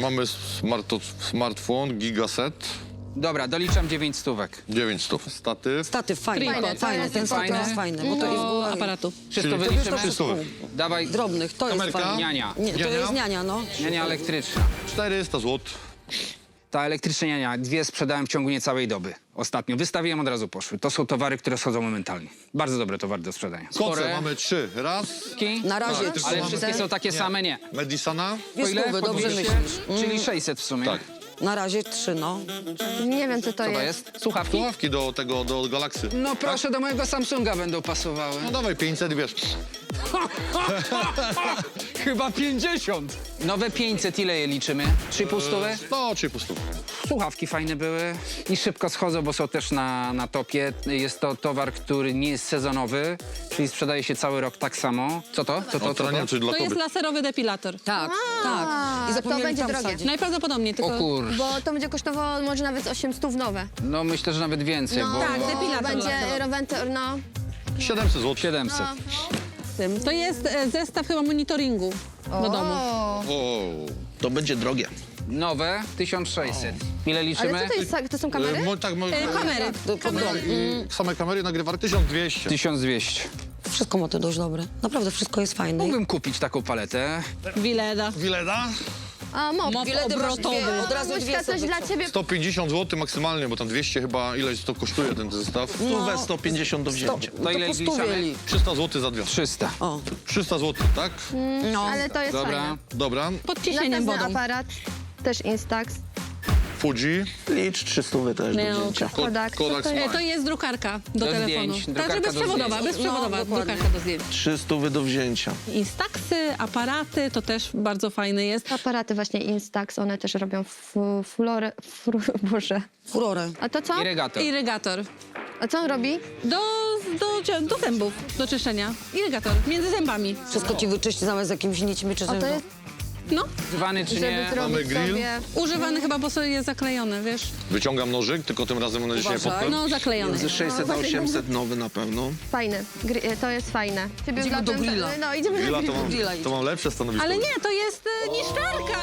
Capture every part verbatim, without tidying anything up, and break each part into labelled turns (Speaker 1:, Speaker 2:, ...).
Speaker 1: Mamy smart smartfon, gigaset,
Speaker 2: Dobra, doliczam dziewięć stówek.
Speaker 1: dziewięć stów. Statyw.
Speaker 3: Statyw, fajny,
Speaker 4: Fajne,
Speaker 3: fajny, fajny. Ten statyw
Speaker 2: fajne.
Speaker 3: jest fajny, bo to jest
Speaker 4: Do
Speaker 3: góra
Speaker 4: aparatu.
Speaker 2: Wszystko
Speaker 1: Czyli-
Speaker 2: wyliczymy?
Speaker 1: trzy stówy.
Speaker 2: Dawaj,
Speaker 3: drobnych, to jest
Speaker 1: Kamerka?
Speaker 3: fajne.
Speaker 2: niania.
Speaker 3: Nie, to
Speaker 1: Niania?
Speaker 3: jest niania, no.
Speaker 2: Niania elektryczna.
Speaker 1: czterysta złotych.
Speaker 2: Ta elektryczna niania, dwie sprzedałem w ciągu niecałej doby. Ostatnio wystawiłem, od razu poszły. To są towary, które schodzą momentalnie. Bardzo dobre towary do sprzedania.
Speaker 1: Koce mamy trzy. Raz.
Speaker 2: Ki?
Speaker 3: Na razie
Speaker 1: Tak,
Speaker 3: trzy.
Speaker 2: Ale
Speaker 1: mamy
Speaker 2: wszystkie
Speaker 1: te-
Speaker 2: są takie same? Nie.
Speaker 1: Medisana.
Speaker 3: Dwie
Speaker 2: Po ile?
Speaker 3: stówy,
Speaker 2: Po
Speaker 3: dobrze
Speaker 2: dwieście?
Speaker 3: myślisz.
Speaker 2: Czyli sześćset w sumie.
Speaker 1: Tak.
Speaker 3: Na razie trzy, no.
Speaker 4: Nie wiem, co to
Speaker 2: Co to
Speaker 4: jest.
Speaker 2: jest? Słuchawki?
Speaker 1: Słuchawki do tego, do Galaxy.
Speaker 2: No proszę, do mojego Samsunga będą pasowały.
Speaker 1: No dawaj, pięćset, wiesz.
Speaker 2: Chyba pięćdziesiąt. Nowe pięćset, ile je liczymy? trzy i pół stówy?
Speaker 1: No, trzy i pół stówy.
Speaker 2: Słuchawki fajne były i szybko schodzą, bo są też na, na topie. Jest to towar, który nie jest sezonowy, czyli sprzedaje się cały rok tak samo. Co to? Co to? Co to?
Speaker 1: Odtrania, czy dla
Speaker 4: To jest
Speaker 1: kobiet?
Speaker 4: laserowy depilator.
Speaker 3: Tak, tak. I
Speaker 4: to
Speaker 3: zapomnieli
Speaker 4: będzie
Speaker 3: tam
Speaker 4: drogie.
Speaker 3: wsadzić.
Speaker 4: Najprawdopodobniej,
Speaker 2: O
Speaker 4: tylko...
Speaker 2: kur...
Speaker 4: Bo to będzie kosztowało może nawet osiem stów nowe.
Speaker 2: No myślę, że nawet więcej, bo...
Speaker 4: tak, depilator
Speaker 3: Tak,
Speaker 4: będzie
Speaker 3: laserowy.
Speaker 4: Rowentor, no.
Speaker 1: siedemset złotych.
Speaker 2: siedemset.
Speaker 4: Tym. To jest e, zestaw chyba monitoringu do domu.
Speaker 1: O,
Speaker 5: To będzie drogie.
Speaker 2: Nowe tysiąc sześćset. Ile liczymy?
Speaker 4: Ale co to jest? To są kamery?
Speaker 1: e, mo- tak, mo-
Speaker 4: E, kamery.
Speaker 3: To- to
Speaker 1: kamery i same kamery nagrywa tysiąc dwieście.
Speaker 2: tysiąc dwieście.
Speaker 3: Wszystko ma to dość dobre. Naprawdę wszystko jest fajne.
Speaker 2: Mógłbym kupić taką paletę.
Speaker 4: Wileda.
Speaker 1: Wileda?
Speaker 4: A, mop.
Speaker 3: Bilety masz
Speaker 4: obrotowy.
Speaker 3: dwie, od razu
Speaker 4: Mamuśka,
Speaker 3: dwie
Speaker 4: coś
Speaker 3: sobie
Speaker 4: dla
Speaker 3: chcą.
Speaker 4: ciebie.
Speaker 1: sto pięćdziesiąt złotych maksymalnie, bo tam dwieście chyba ileś to kosztuje ten zestaw.
Speaker 5: Stówę sto pięćdziesiąt do wzięcia.
Speaker 2: To ile
Speaker 3: po stówie
Speaker 2: liczymy?
Speaker 3: li.
Speaker 1: trzysta złotych za dwie.
Speaker 2: trzysta.
Speaker 3: O,
Speaker 1: trzysta złotych, tak?
Speaker 3: no.
Speaker 4: Ale to jest
Speaker 2: Dobra.
Speaker 4: fajne.
Speaker 1: Dobra.
Speaker 4: Pod ciśnieniem
Speaker 3: No,
Speaker 4: wodą. aparat. Też Instax.
Speaker 1: Fuji.
Speaker 5: Licz trzy stówy też do
Speaker 4: Nie,
Speaker 5: wzięcia.
Speaker 1: Ko-
Speaker 4: Kodak.
Speaker 1: Kodak
Speaker 4: To,
Speaker 1: Smile.
Speaker 4: to jest drukarka do,
Speaker 2: Do
Speaker 4: telefonu.
Speaker 2: zdjęć.
Speaker 4: Tak,
Speaker 2: Drukarka
Speaker 4: że
Speaker 2: do
Speaker 4: bezprzewodowa,
Speaker 2: zdjęć.
Speaker 4: bezprzewodowa
Speaker 3: No, dokładnie.
Speaker 4: drukarka do zdjęć.
Speaker 5: Trzy stówy do wzięcia.
Speaker 4: Instaxy, aparaty, to też bardzo fajne jest. Aparaty właśnie Instax, one też robią f- florę, fru, boże.
Speaker 3: Furorę.
Speaker 4: A to co?
Speaker 2: Irygator.
Speaker 4: Irygator. A co on robi? Do, do, do zębów, do czyszczenia. Irygator, między zębami.
Speaker 3: Wszystko ci wyczyści zamiast jakimś nićmi czy
Speaker 4: A to
Speaker 3: czymś.
Speaker 4: jest, no,
Speaker 2: Zwany czy
Speaker 4: żeby
Speaker 2: nie?
Speaker 4: zrobić
Speaker 1: grill.
Speaker 4: sobie... Używany chyba, bo sobie jest zaklejony, wiesz?
Speaker 1: Wyciągam nożyk, tylko tym razem one się nie
Speaker 3: Uważaj.
Speaker 1: potnę.
Speaker 4: No, zaklejony.
Speaker 5: Między sześćset a osiemset nowy na pewno.
Speaker 4: Fajny, Gri- to jest fajne.
Speaker 3: Idziemy do grilla.
Speaker 4: No, idziemy
Speaker 1: Grilla
Speaker 4: do
Speaker 1: to mam,
Speaker 3: grilla
Speaker 1: to mam lepsze stanowisko.
Speaker 4: Ale nie, to jest e, niszczarka!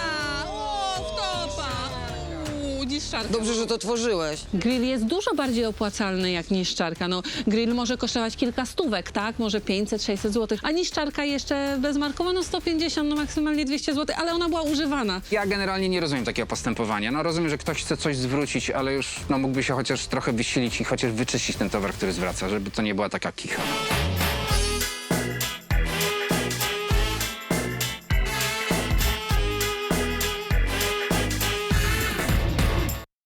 Speaker 4: O, wtopa! Uuu, niszczarka.
Speaker 3: Dobrze, że to tworzyłeś.
Speaker 4: Grill jest dużo bardziej opłacalny jak niszczarka. No, grill może kosztować kilka stówek, tak? Może pięćset sześćset złotych. A niszczarka jeszcze bezmarkowa, no sto pięćdziesiąt, no maksymalnie dwieście złotych, ale ona była używana.
Speaker 2: Ja generalnie nie rozumiem takiego postępowania. No rozumiem, że ktoś chce coś zwrócić, ale już no, mógłby się chociaż trochę wysilić i chociaż wyczyścić ten towar, który zwraca, żeby to nie była taka kicha.